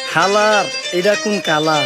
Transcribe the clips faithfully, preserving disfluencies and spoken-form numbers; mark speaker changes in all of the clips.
Speaker 1: হালার এটা কোন কালার?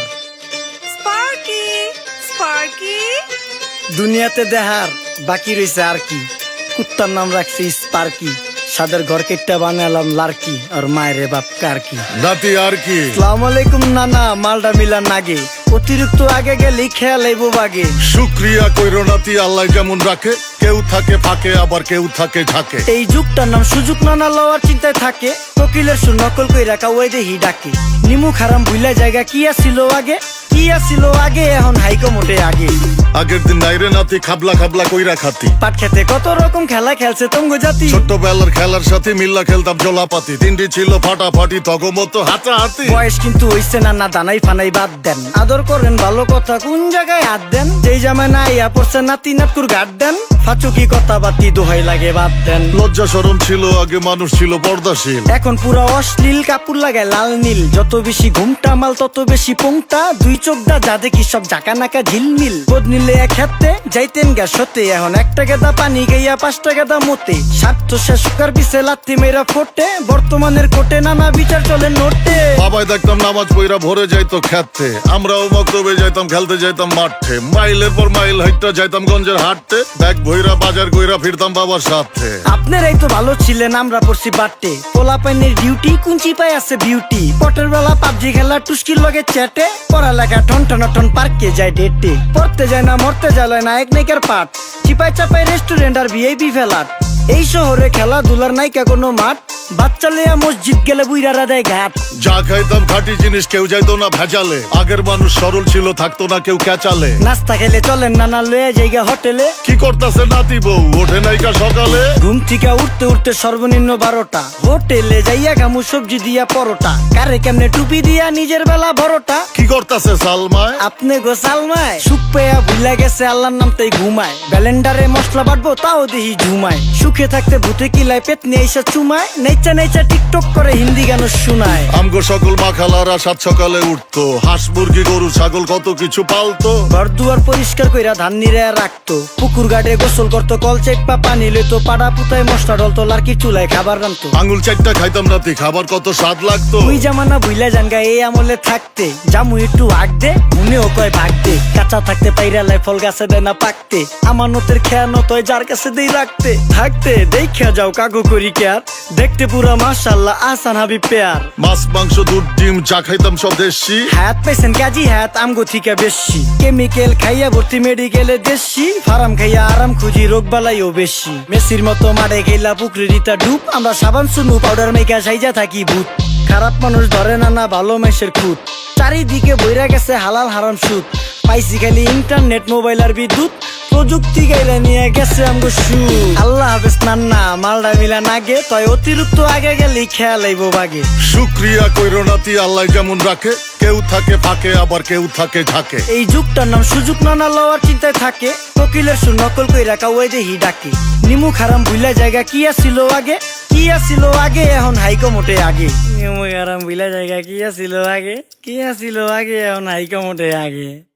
Speaker 2: স্পার্কি স্পার্কি
Speaker 1: দুনিয়াতে দেহার বাকি রয়েছে আর কি। কুত্তার নাম রাখছি স্পার্কি, সাদের ঘর কেটটা বানালাম লার্কি, আর মায়ের বাপ কারকি।
Speaker 3: নাতি আর কি?
Speaker 1: আসসালামু আলাইকুম নানা, মালডা মিলা নাগে, অতিরিক্ত আগে গেলে খেয়াল আইবো বাগে।
Speaker 3: শুক্রিয়া কইরো নাতি, আল্লাহ যেমন রাখে, কেউ থাকে ফাঁকে আবার কেউ থাকে ঝাঁকে।
Speaker 1: এই যুগটার নাম সুযোগ নানা লওয়ার চিন্তায় থাকে, কোকিলের সুর নকল কই রাখা ওই দেহি ডাকে। নিমু খারাম ভুলা জায়গা কি আসিল আগে, কি আসিল আগে এখন হাইকো মোটে আগে।
Speaker 3: আগের দিন নাইরে নাতি খাবলা খাবলা কইরা খাতি,
Speaker 1: পাট খেতে কত রকম খেলা খেলছে তঙ্গ জাতি।
Speaker 3: ছোট্টবেলার খেলার সাথে মিল্লা খেলতাম জলাপাতি, তিনটি ছিল ফাটাফাটি তগমতো হাতাহাতি।
Speaker 1: বয়স কিন্তু হইছে না না, দানাই ফানাই বাদ দেন, আদর করেন ভালো কথা কোন জায়গায় হাত দেন। যেই জামায় না ইয়া পড়ছে নাতি নাটকুর গাট দেন, ফাচুকি কথা বাতি দোহাই লাগে বাদ দেন।
Speaker 3: লজ্জা শরম ছিল আগে, মানুষ ছিল পর্দাশীল,
Speaker 1: এখন পুরো অশ্লীল, কাপড় লাগায় লাল নীল। যত বেশি ঘুমটা মাল তত বেশি পোংটা, দুই চোখটা যা দেখি সব জাকা নাকা ঝিলমিল। বোধ নিলে এক হাতে যাইতেন গা সতে, এখন একটা গেদা পানি গাইয়া পাঁচটা গেদা মতে। স্বার্থ শেষকার পিছে লাথি মেয়েরা ফোটে, বর্তমানের কোটে নানা বিচার চলে নোটে।
Speaker 3: বাবাই দেখতাম নামাজ পইরা ভরে যাইতো খেতে, আমরাও মক্তবে যাইতাম, খেলতে যাইতাম মাঠে। মাইলের পর মাইল হাইটটা যাইতাম গঞ্জের হাটতে, ব্যাগ ভইরা বাজার কইরা ফিরতাম বাবার সাথে।
Speaker 1: আপনারাই তো ভালো ছিলেন, আমরা পড়ছি বাটে। পোলা পাইনের ডিউটি কুঞ্চি পাই আছে বিউটি, পটের বেলা পাবজি খেলা টুস্কির লগে চ্যাটে। পড়ালেখা টন টন টন পার্কে যায় ডেটে, পড়তে যায় না মরতে যায় নায়ক নায়িকার পাঠ। চিপাই চাপাই রেস্টুরেন্ট আর ভিআইপি ফেলাট, এই শহরে খেলাধুলার নাইকা কোনো মাঠ। বাচ্চা লেয়া মসজিদ গেলে বুইরারা দেয় ঘাট।
Speaker 3: যা খাইতাম খাঁটি জিনিস, কেউ যাইতো না ভেজালে। আগের মানুষ সরল ছিল, থাকতো না কেউ ক্যাচালে।
Speaker 1: নাস্তা খেলে চলেন নানা লয়ে জায়গা হোটেলে,
Speaker 3: কি করতাছে নাতি বউ ওঠে নাইকা সকালে।
Speaker 1: ঘুম থেকে উঠতে উঠতে সর্বনিম্ন বারোটা, হোটেলে যাইয়া গামু সবজি দিয়া পরোটা। কারে কেমনে টুপি দিয়া নিজের বেলা বড়টা,
Speaker 3: কি করতাছে সালমায়
Speaker 1: আপনি গো সালমায়। সুখ পেয়া ভুলা গেছে আল্লাহর নাম তাই ঘুমায়, ব্যালেন্ডারে মশলা বাটবো তাও দেহি ঝুমায়। সুখে থাকতে ভূতে কিলায় পেট নিয়ে এসে চুমায়, নেচা নেচা টিকটক করে হিন্দি গান শোনায়।
Speaker 3: আমগো সকল মাখালারা সাত সকালে উঠতো, হাঁস মুরগি গরু ছাগল কত কিছু পালতো।
Speaker 1: ঘর দুয়ার পরিষ্কার কইরা ধান নিরে রাখতো, পুকুর গাড়ে গোসল করতো, কল চেপা পানি লইতো। পাড়া পুতায় মশলা ডলতো, লার্কি চুলায় খাবার রান্তো।
Speaker 3: আঙুল চারটা খাইতাম নাতি, খাবার কত স্বাদ লাগতো।
Speaker 1: ওই জামানা ভুইলা জানগা এই আমলে থাকতে, জামু একটু আগ দে মনেও কয় ভাগ দে। কাঁচা থাকতে পাইরালায় ফল গাছে দেয় না পাকতে, আমানতের খেয়ানত হয় যার কাছে দেই রাখতে। থাকতে দেখা যাও কাগু করি কেয়ার, দেখতে পুরা মাশাআল্লাহ আসান হাবি পেয়ার।
Speaker 3: মাছ মাংস দুধ ডিম যা খাইতাম সব দেশি,
Speaker 1: হাত পেছেন কাজী হাত আমগো থিকা বেশি। কেমিক্যাল খাইয়া ভর্তি মেডিকেলে দেশি, ফার্ম খাইয়া আরাম খুঁজি রোগ বালাইও বেশি। মেসির মতো মারে গেলা পুকুরে রিতা ডুব, আমরা সাবান সুনু পাউডার মেকা সাইজা থাকি ভূত। খারাপ মানুষ ধরে না না ভালো মেসের খুঁত, চারিদিকে বইরা গেছে হালাল হারাম সুদ। পাইছি খালি ইন্টারনেট মোবাইল আর বিদ্যুৎ, প্রযুক্তি গাইলা নিয়ে গেছে আমগো সু। আল্লাহ হাফেজ নান্না, মালডা মিলা নাগে, তয় অতিরিক্ত আগে গেলে খেয়াল আইবো বাগে।
Speaker 3: শুক্রিয়া কইরো নাতি, আল্লাহ যেমন রাখে, কেউ থাকে ফাঁকে আবার কেউ থাকে ঝাঁকে।
Speaker 1: এই যুগটার নাম সুযোগ নানা লওয়ার চিন্তায় থাকে, কোকিলের সুর নকল কই রাখা ওই দেহি ডাকে। নিমু খারাম ভুলা জায়গা কি আসিল আগে, কি আসিল আগে এখন হাইকো মোটে আগে। নিমু খারাম ভুলা জায়গা কি আসিল আগে, কি আসিল আগে এখন হাইকো মোটে আগে।